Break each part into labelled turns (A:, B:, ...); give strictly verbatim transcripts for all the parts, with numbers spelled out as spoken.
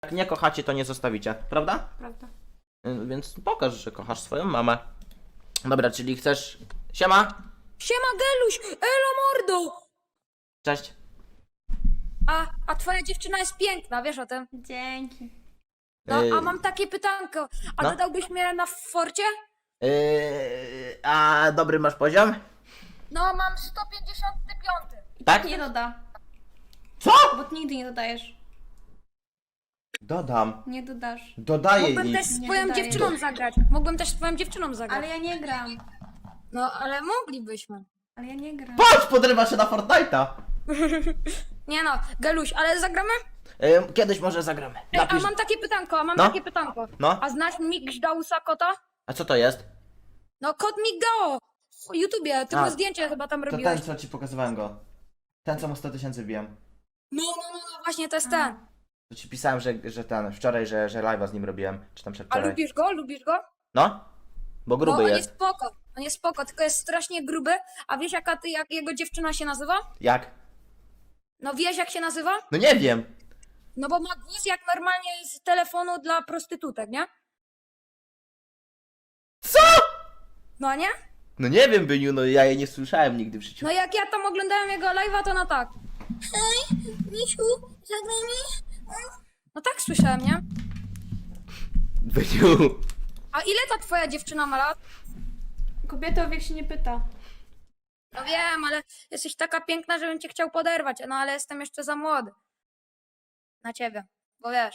A: Jak nie kochacie, to nie zostawicie, prawda?
B: Prawda.
A: Y, Więc pokaż, że kochasz swoją mamę. Dobra, czyli chcesz... Siema!
C: Siema Geluś, elo mordo!
A: Cześć.
C: A, a twoja dziewczyna jest piękna, wiesz o tym?
B: Dzięki.
C: No,
A: Yy,
C: a mam takie pytanko, a
A: no.
C: dodałbyś mnie na forcie?
A: Yy, a dobry masz poziom?
C: No, mam sto pięćdziesiąty piąty.
A: Tak?
B: Nie doda,
A: Co?
B: bo ty nigdy nie dodajesz.
A: Dodam.
B: Nie dodasz.
A: Dodaję
C: Mógłbym
A: i...
C: też z
B: Nie
C: twoją
B: dodaję.
C: dziewczyną zagrać. Mógłbym też z twoją dziewczyną zagrać.
B: Ale ja nie gram.
C: No, ale moglibyśmy.
B: Ale ja nie gram.
A: Patrz, podrywa się na Fortnite'a!
C: Nie no, Geluś, ale zagramy?
A: Yy, kiedyś może zagramy.
C: Ej, a
A: Napisz...
C: mam takie pytanko, a mam
A: No.
C: takie pytanko.
A: No,
C: A znasz Migdausa kota?
A: a co to jest?
C: No, kot Migdao! W YouTubie, ty
A: A,
C: mu zdjęcie chyba tam
A: To
C: robiłeś.
A: ten, co ci pokazywałem go. Ten, co mu sto tysięcy wbiłem.
C: No, no, no, no, właśnie to jest ten.
A: To ci pisałem, że, że ten, wczoraj, że, że live'a z nim robiłem. Czy tam
C: A
A: przedwczoraj.
C: lubisz go? Lubisz go?
A: No? Bo
C: Bo
A: gruby
C: on
A: jest.
C: jest spoko, on jest spoko, tylko jest strasznie gruby. A wiesz jaka ty, jak jego dziewczyna się nazywa?
A: Jak?
C: No wiesz jak się nazywa?
A: No nie wiem.
C: No bo ma głos jak normalnie z telefonu dla prostytutek, nie?
A: Co?
C: No nie?
A: No nie wiem, Byniu, no ja jej nie słyszałem nigdy w życiu.
C: No jak ja tam oglądałem jego live'a, to na tak. Hej, Misiu, zagramy? No tak słyszałem, nie?
A: Byniu.
C: A ile ta twoja dziewczyna ma lat?
B: Kobieta o wiek się nie pyta.
C: No wiem, ale jesteś taka piękna, żebym cię chciał poderwać, no ale jestem jeszcze za młody. Na ciebie, bo wiesz.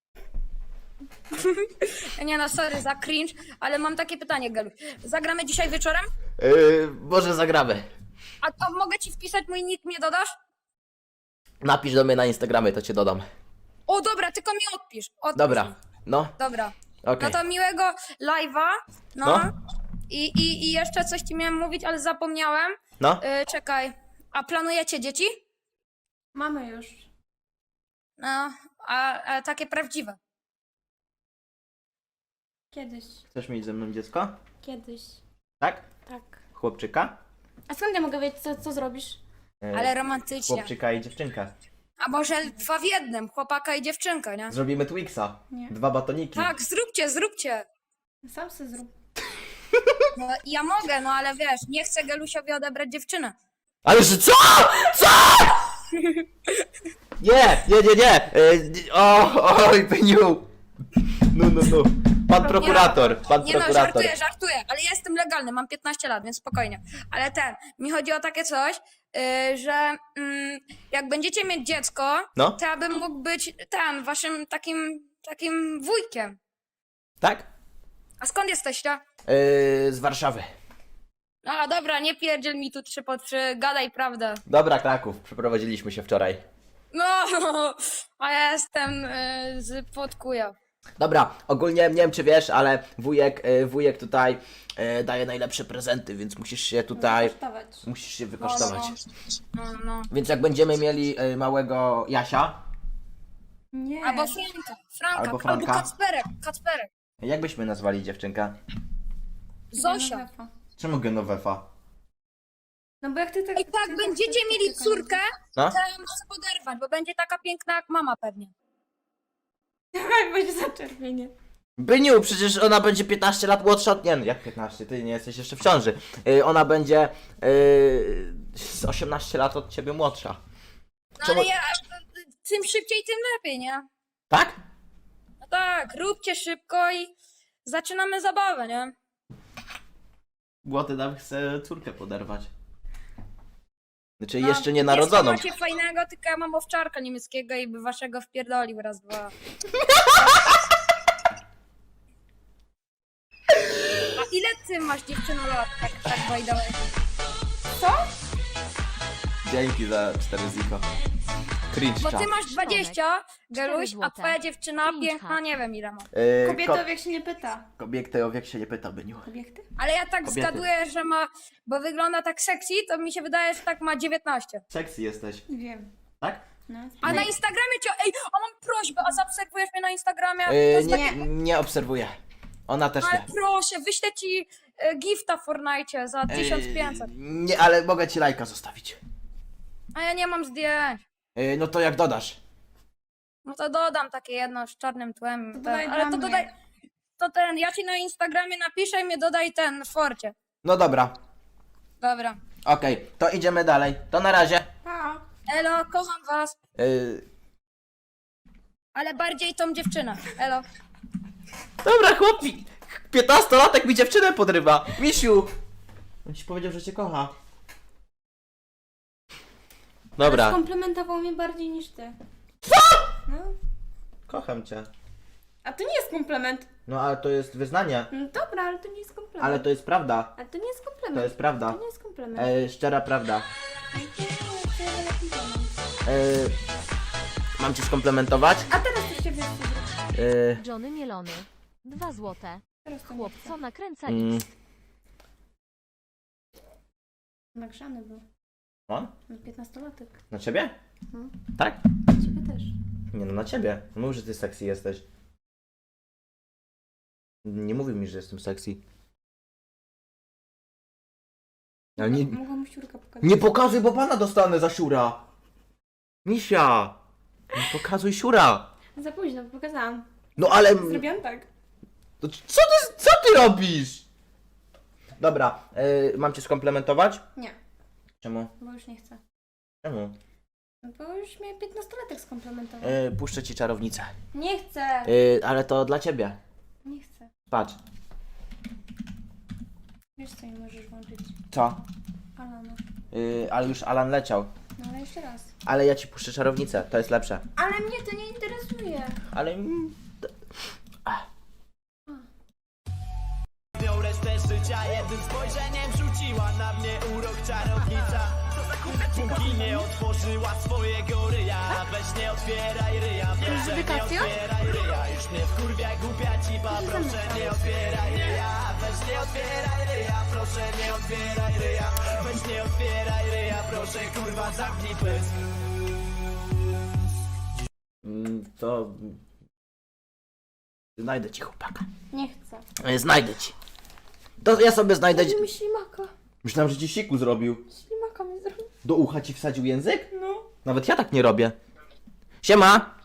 C: Nie no, sorry za cringe, ale mam takie pytanie, Gelu. Zagramy dzisiaj wieczorem?
A: Yy, może zagramy.
C: A to mogę ci wpisać mój nick, mnie dodasz?
A: Napisz do mnie na Instagramie, to cię dodam.
C: O dobra, tylko mi odpisz. odpisz
A: Dobra,
C: mi.
A: no,
C: Dobra.
A: okej.
C: No to miłego live'a. No.
A: No.
C: I, i, I jeszcze coś ci miałem mówić, ale zapomniałem.
A: No,
C: Yy, czekaj. A planujecie dzieci?
B: Mamy już.
C: No, a, a takie prawdziwe.
B: Kiedyś.
A: chcesz mieć ze mną dziecko?
B: Kiedyś.
A: Tak?
B: Tak.
A: Chłopczyka?
B: A skąd ja mogę wiedzieć, co, co zrobisz?
A: Yy,
C: Ale romantycznie.
A: Chłopczyka i dziewczynkę.
C: A może dwa w jednym, chłopaka i dziewczynka, nie?
A: Zrobimy Twixa.
B: Nie.
A: Dwa batoniki.
C: Tak, zróbcie, zróbcie.
B: Sam se zrób.
C: No, ja mogę, no ale wiesz, nie chcę Gelusiowi odebrać dziewczynę.
A: Ale że co? Co? Nie, nie, nie, nie. Yy, o, oj, Byniu. No, no, no. Pan prokurator, pan
C: Nie no,
A: prokurator.
C: żartuję, żartuję, ale ja jestem legalny, mam piętnaście lat, więc spokojnie. Ale ten, mi chodzi o takie coś, yy, że yy, jak będziecie mieć dziecko,
A: No.
C: to ja bym mógł być ten, waszym takim, takim wujkiem.
A: Tak?
C: A skąd jesteście?
A: Yy, z Warszawy.
C: A dobra, nie pierdziel mi tu trzy po trzy, gadaj prawdę.
A: Dobra, Kraków. Przeprowadziliśmy się wczoraj.
C: No, a ja jestem yy, z Podkuja.
A: Dobra, ogólnie nie wiem czy wiesz, ale wujek, y, wujek tutaj y, daje najlepsze prezenty, więc musisz się tutaj,
B: Kosztować.
A: musisz się
C: No,
A: wykosztować.
C: no, no, no.
A: Więc jak będziemy mieli y, małego Jasia,
B: Nie.
C: Albo Franka, Franka,
A: Albo
C: albo,
A: Franka.
C: Kacperek, Kacperek.
A: jak byśmy nazwali dziewczynkę?
C: Zosia.
B: Genovefa.
A: Czemu Genovefa?
B: No bo jak ty tak...
C: I tak
B: ty
C: będziecie
B: tak-
C: mieli
B: tak-
C: córkę,
A: No?
C: to ja ją chcę poderwać, bo będzie taka piękna jak mama pewnie.
B: Tak, będzie zaczerwienie.
A: Byniu, przecież ona będzie piętnaście lat młodsza od... Nie, no, jak piętnaście? Ty nie jesteś jeszcze w ciąży. Y, ona będzie y, z osiemnaście lat od ciebie młodsza.
C: No
A: Czemu-
C: ale ja, tym szybciej, tym lepiej, nie?
A: Tak?
C: No tak, róbcie szybko i zaczynamy zabawę, nie?
A: Głoty nam chce córkę poderwać. Znaczy
C: No,
A: jeszcze nie narodzoną.
C: Macie fajnego, tylko ja mam owczarka niemieckiego i by waszego wpierdolił raz, dwa. A ile ty masz dziewczyno lat, tak, tak by the way?
B: Co?
A: Dzięki za cztery ziko. Cringe
C: Bo
A: chat.
C: ty masz dwadzieścia, Geluś, a
D: złote.
C: twoja dziewczyna
D: Cringe
C: piękna
D: chat.
C: nie wiem ile ma.
A: Yy,
B: Kobieta
A: ko-
B: o wiek się nie pyta.
A: Kobiety o wiek się nie pyta, Byniu.
B: Kobiety?
C: Ale ja tak
A: Kobiety.
C: zgaduję, że ma, bo wygląda tak sexy, to mi się wydaje, że tak ma dziewiętnaście.
A: Sexy jesteś,
B: Wiem.
A: tak?
B: No.
C: A na Instagramie cię, ej, a mam prośbę, a zaobserwujesz mnie na Instagramie? To
A: Yy,
C: jest
A: nie,
C: takie-
A: nie obserwuję. Ona też
C: Ale
A: nie.
C: proszę, wyślę ci e, gifta w Fortnite za tysiąc pięćset.
A: Yy, nie, ale mogę ci lajka zostawić.
C: A ja nie mam zdjęć.
A: Yy, no to jak dodasz?
C: No to dodam takie jedno z czarnym tłem.
B: To
C: ten,
B: dodaj
C: ale
B: dla
C: to
B: mnie.
C: dodaj. To ten, ja ci na Instagramie napiszę i mnie dodaj ten w forcie.
A: No dobra,
C: Dobra.
A: okej, to idziemy dalej. To na razie.
B: Pa.
C: Elo, kocham was.
A: Yy...
C: Ale bardziej tą dziewczynę. Elo.
A: Dobra, chłopi. piętnastolatek mi dziewczynę podrywa. Misiu. On ci powiedział, że cię kocha. Dobra.
B: Skomplementował mnie bardziej niż ty.
A: Co?
B: No.
A: Kocham cię.
B: A to nie jest komplement.
A: No ale to jest wyznanie.
B: No dobra, ale to nie jest komplement.
A: Ale to jest prawda.
B: Ale to nie jest komplement.
A: To jest prawda.
B: To nie jest komplement.
A: E, szczera prawda. E, mam cię skomplementować?
B: A teraz to się wiesz, co zrobić.
A: E,
D: Johnny Mielony. Dwa złote.
B: Teraz to nie
D: Chłopco
B: chcę.
D: nakręca
A: mm,
D: X.
B: Nagrzany był.
A: on?
B: No, piętnastolatek.
A: Na ciebie?
B: Mhm.
A: Tak?
B: Ciebie też.
A: Nie no, na ciebie. Mów, że ty sexy jesteś. Nie mówił mi, że jestem sexy. Ale nie,
B: Mogłam mu siurka pokazać.
A: nie pokazuj, bo pana dostanę za siura. Misia. Nie pokazuj siura.
B: Za późno, bo pokazałam.
A: No ale...
B: Zrobiłam tak.
A: To co ty, co ty robisz? Dobra, e, mam cię skomplementować?
B: Nie,
A: Czemu?
B: bo już nie chcę.
A: Czemu?
B: No bo już mnie piętnastolatek skomplementował.
A: E, puszczę ci czarownicę.
B: Nie chcę.
A: E, ale to dla ciebie.
B: Nie chcę.
A: Patrz.
B: Wiesz co, nie możesz włączyć.
A: Co?
B: Alana.
A: E, ale już Alan leciał.
B: No ale jeszcze raz.
A: Ale ja ci puszczę czarownicę, to jest lepsze.
B: Ale mnie to nie interesuje.
A: Ale... mm, to-
E: Miał resztę życia, jednym spojrzeniem rzuciła na mnie urok czarownica. Póki nie otworzyła swojego ryja, weź nie otwieraj ryja, proszę nie
B: dedykacją?
E: otwieraj ryja. Już mnie wkurwia głupia cipa, proszę nie otwieraj ryja, weź nie otwieraj ryja, proszę nie otwieraj ryja, weź nie otwieraj ryja, proszę kurwa zamknij pysk.
A: mm, To... Znajdę ci chłopaka.
B: Nie chcę.
A: E, znajdę ci. To ja sobie znajdę...
B: Daj mi ślimaka.
A: Myślałem, że ci siku zrobił.
B: Ślimaka mi zrobił.
A: Do ucha ci wsadził język?
B: No.
A: Nawet ja tak nie robię. Siema!